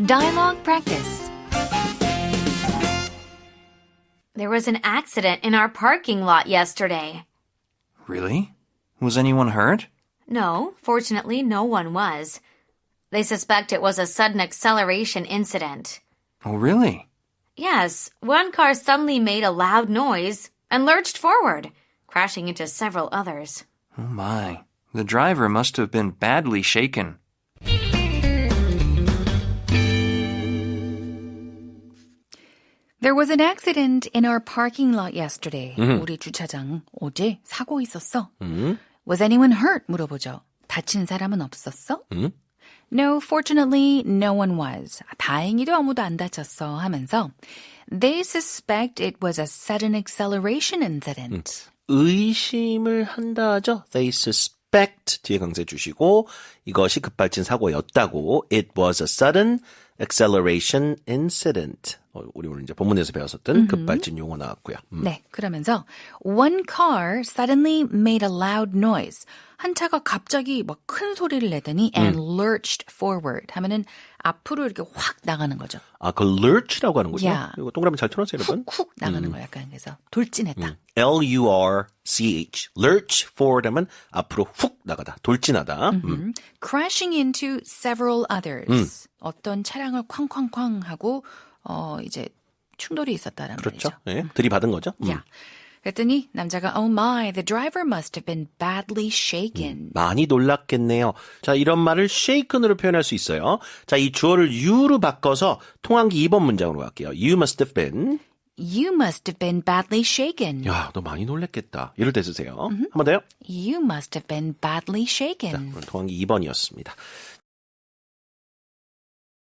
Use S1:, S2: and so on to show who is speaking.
S1: Dialogue practice. There was an accident in our parking lot yesterday.
S2: Really? Was anyone hurt?
S1: No, fortunately, no one was. They suspect it was a sudden acceleration incident.
S2: Oh, really?
S1: Yes, one car suddenly made a loud noise and lurched forward, crashing into several others.
S2: Oh, my. The driver must have been badly shaken.
S3: There was an accident in our parking lot yesterday. 우리 주차장 어제 사고 있었어. Was anyone hurt? 물어보죠. 다친 사람은 없었어? No, fortunately, no one was. 다행히도 아무도 안 다쳤어 하면서 They suspect it was a sudden acceleration incident.
S4: 의심을 한다죠. They suspect 뒤에 강세 주시고 이것이 급발진 사고였다고. It was a sudden acceleration incident. 우리 오늘 이제 본문에서 배웠었던 급발진 용어 나왔고요.
S3: 네, 그러면서 One car suddenly made a loud noise. 한 차가 갑자기 막 큰 소리를 내더니 and lurched forward 하면은 앞으로 이렇게 확 나가는 거죠.
S4: 아, 그 lurch라고 하는군요.
S3: Yeah.
S4: 이거 동그라미 잘 쳐놨어요, 여러분.
S3: 훅 나가는 거예요. 약간 그래서 돌진했다.
S4: L-U-R-C-H. lurch forward 하면 앞으로 훅 나가다, 돌진하다.
S3: Crashing into several others. 어떤 차량을 쾅쾅쾅 하고 이제 충돌이 있었다라는
S4: 그렇죠.
S3: 말이죠.
S4: 예, 들이받은 거죠.
S3: Yeah. 그랬더니 남자가 Oh my, the driver must have been badly shaken.
S4: 많이 놀랐겠네요. 자, 이런 말을 shaken으로 표현할 수 있어요. 자, 이 주어를 you로 바꿔서 통한기 2번 문장으로 갈게요. You must have been.
S3: You must have been badly shaken.
S4: 야, 너 많이 놀랬겠다. 이럴 때 쓰세요. 한 번 더요.
S3: You must have been badly shaken.
S4: 오늘 통한기 2번이었습니다.